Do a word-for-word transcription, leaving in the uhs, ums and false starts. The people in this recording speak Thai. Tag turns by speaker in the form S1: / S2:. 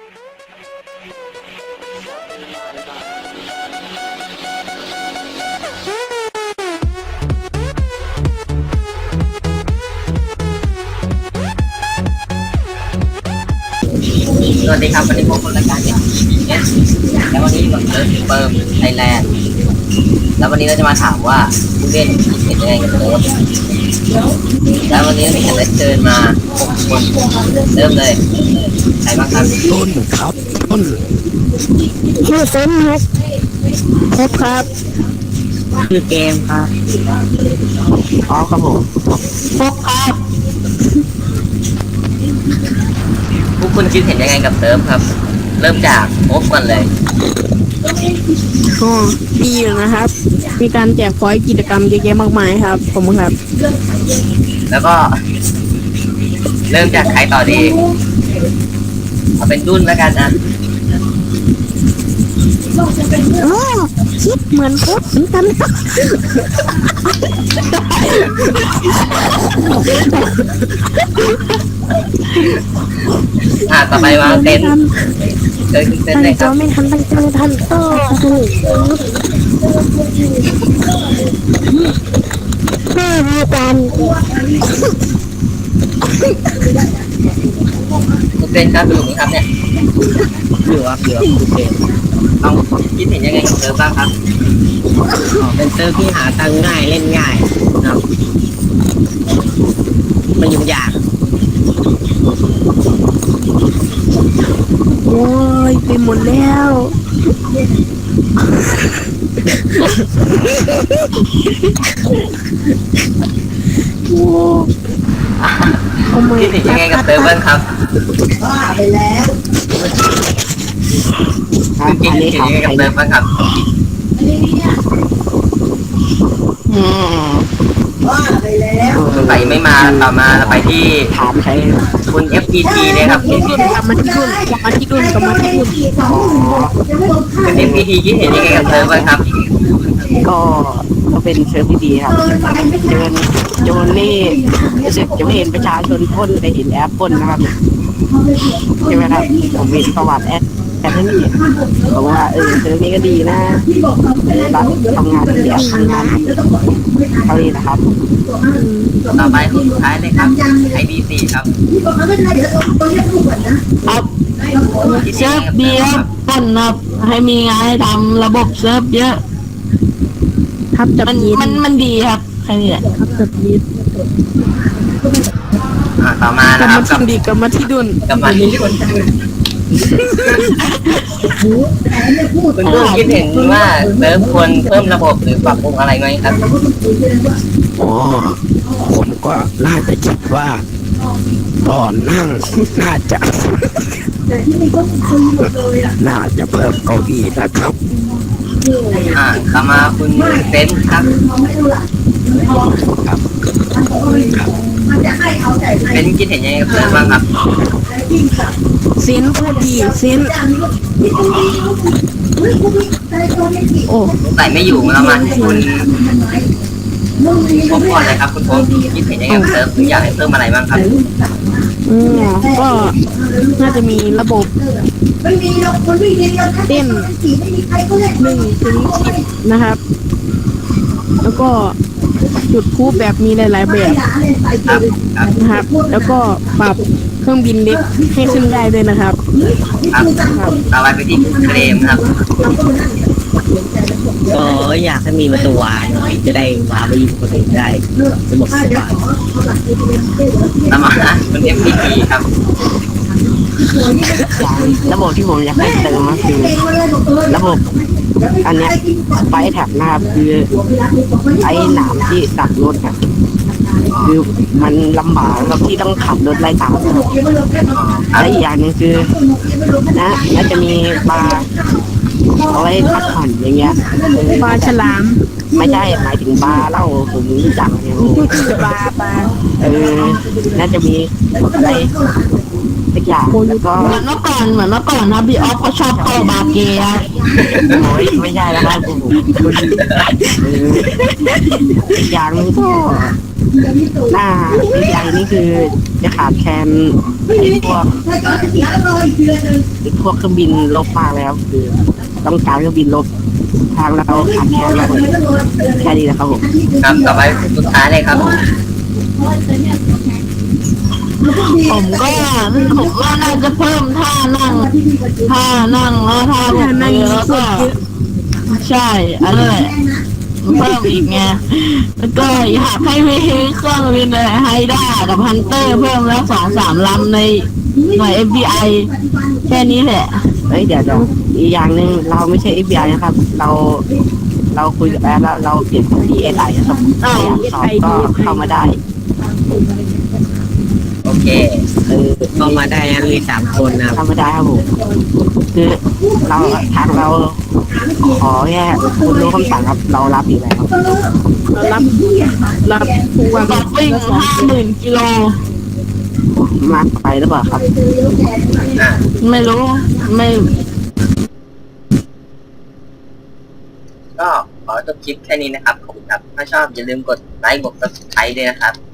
S1: สวัสดีครับวันนี้พบกับรายการเนี่ยแล้ววันนี้อยู่กับเซิร์ฟเปิร์มไทยแลนด์แล้ววันนี้เราจะมาถามว่าผู้เล่นคิดเห็นยังไงกับเซิร์ฟแล้ววันนี้เรามีแขกรับเชิญมาหกคนเริ่มเลยใครบ้างครับ
S2: ต้นครับต้น
S3: ชื่อเซนครับครบครับ
S1: คือเกมครับอ๋อครับผม
S3: ครบครับ
S1: พวกคุณคิดเห็นยังไงกับเซิร์ฟครับเริ่มจากโอ๊คก่อนเลย
S3: ก็ดีอยู่นะครับมีการแจกพอยต์กิจกรรมเยอะแยะมากมายครับผมครับ
S1: แล้วก็เริ่มจากใครต่อดีเอาเป็นดุ้นแล้วกันนะ
S3: โอ้คิดเหมือนครบเหมือนกัน
S1: อ่าต่อไปมาเต้นเต้นเต้นเลยครับ
S3: ไม่ทันตั้งใจทันโต้ไม่มีการ
S1: คุณเต้นครับสนุกไหมครับเนี่ย
S2: อยู่ครับอยู่คุณเจน
S1: ต้องคิดเห็นยังไงกับเซิร์ฟบ้างครับ
S2: เป็นเซิร์ฟที่หาตังง่ายเล่นง่ายครับมันยุ่งยาก
S3: โอ้ยไปหมดแล้วโอ้
S1: คิดเห็นยังไงกับเซิร์ฟบ้างครับ
S3: ไปแล้ว
S1: คุณคิดเห็นยังไงกับเซิร์ฟบ้างครับ
S3: อืมไปแล้ว
S1: ไปไม่มาต่อมาไปที่
S2: ถามใคร
S1: คุณ เอฟ พี ที เนี่ยครับ
S3: กลับมาที่ดุนกลับมาที่ดุนกลับมาที่ดุน
S1: คุณ เอฟ พี ที คิดเห็นยังไงกับเซิร์ฟบ้างครับ
S2: ก็ก็เป็นเซิร์ฟที่ดีครับโจนโจนนี่รู้สึกจะไม่เห็นประชาชนพ่นแต่เห็นแอปพ่นนะครับใช่ไหมครับผมมีประวัติแอปแอปนี่บอกว่าเออเซิร์ฟนี้ก็ดีนะรับทำงานเดียวทำงานเท่านี้นะครับ
S1: ต่อไปคนสุดท้ายเลยครับ ไอ ดี สี่ ครับ
S4: ครับเซิร์ฟดีครับต้นครับให้มีงานให้ทำระบบเซิร์ฟเยอะ
S3: ครับจับ
S4: มัน
S3: ยีด
S4: มันมันดีครับแค่นี้แหละ
S3: ครับจับยีด
S1: อ่าต่อมาก
S3: ลั
S1: นะ
S3: บ
S1: ครั
S3: มา
S1: บ
S3: ที่ดีกลับมาที่ดุน
S1: กลับมาที่คุณดุ้นคิดเห็นว่าเซิร์ฟควรเพิ่มระบบหรือปรับปรุงอะไรไหมครับ
S2: อ๋อผมก็น่าจะคิดว่าตอนนั่งน่าจะน่าจะเพิ่มเก้าอี้นะครับ
S1: อ่าต่อมาคุณเซนครับ
S2: ครับ
S1: เซนคิดเห็นยังไงกับเซิร์ฟบ้างครับ
S3: เซนพูดดีเซนโอ้
S1: ใส่ไม่อยู่แล้วมาที่คุณพบก่อนเลยครับคุณพบคิดเห็นยังไงกับเซิร์ฟหรืออยากให้เพิ่มอะไรบ้างครับ
S3: อืมก็น่าจะมีระบบเต้นหนึ่งถึงสิบนะครับแล้วก็จุดพูแบบมีหลายๆแบบนะครับแล้วก็ปรับเครื่องบินเล็กให้ขึ้นได้ด้วยนะครับ
S1: ครับต่อไปไปที่เคลมครับ
S2: ก็อยากให้มีประตูวางหน่อยจะได้วางไปยิงคนอื่นได้สมบสบาย
S1: ต่อมาคุณ เอฟ พี ที ครับ
S2: ระบบที่ผมอยากให้เติมก็คือระบบอันเนี้ยไฟแท็บนะครับคือไอ้หนามที่ตัดรถครับคือมันลำบากกับที่ต้องขับรถไล่ตามและอีกอย่างนึงคือนะน่าจะมีบาร์เอาไว้พักผ่อนอย่างเงี้ย
S3: ปลาฉลาม
S2: ไม่ใช่หมายถึงบาร์เหล้าผมรู้จักเนี่ย
S3: บาร์บาร์
S2: เออน่าจะมีอะไรสักอย่างแล้วก็
S4: เหมือนเมื่อก่อนเหมือนเมื่อก่อนนะพี่ออฟเขาชอบเข้าบาร์เกย์ครับ
S2: โอ้ยไม่ใช่แล้วครับผมเอออีกอย่างหนึงก็หน้าอีกอย่างนี้คือจะขาดแคลนไอ้พวกไอ้พวกเครื่องบินลบมากแล้วคือต้องการเครื่องบินลบทางเราขาดแคลนมากเลยแค่นี้นะครับผม
S1: ครับต่อไปสุดท้ายเลยครับ
S4: ผมก็ผมว่าน่าจะเพิ่มท่านั่งท่านั่งแล้วท่าบ
S3: ท่าก นั่ง
S4: มือแล้ว
S3: สุ
S4: ก็
S3: ดเยอะ
S4: ใช่อะไรแหละเพิ่มอีกไงแล้วก็อยากให้มีเครื่องบินอะไรไฮด้ากับฮันเตอร์เพิ่มแล้วสองสามลำในหน่วย เอฟ บี ไอ แค่นี้แหละ
S2: เฮ้ยเดี๋ยวเดี๋ยวอีกอย่างหนึ่งเราไม่ใช่ เอฟ บี ไอ นะครับ เราเราคุยกับแอปแล้วเราเปลี่ยนเป็น ดี เอส ไอ นะครับใครอยากสอบก็เข้ามาได้
S1: โอเค
S2: เออ
S5: เข้ามาได้นะมีสามคนนะครับ
S2: เข้ามาได้ครับผมคือเราทางเราขอแค่คุณรู้คำสั่งครับเรารับอยู่แล้ว
S3: เรารับรับทุกวัน
S4: บัตวิ่งห้าหมื่นกิโล
S2: มากไปหรือเปล่าครับ
S1: อ่ะ
S4: ไม่รู้ไม่
S1: ก็ขอจบคลิปแค่นี้นะครับ ขอบคุณครับ ถ้าชอบอย่าลืมกดไลค์กด ซับสไครบ์ ด้วยนะครับ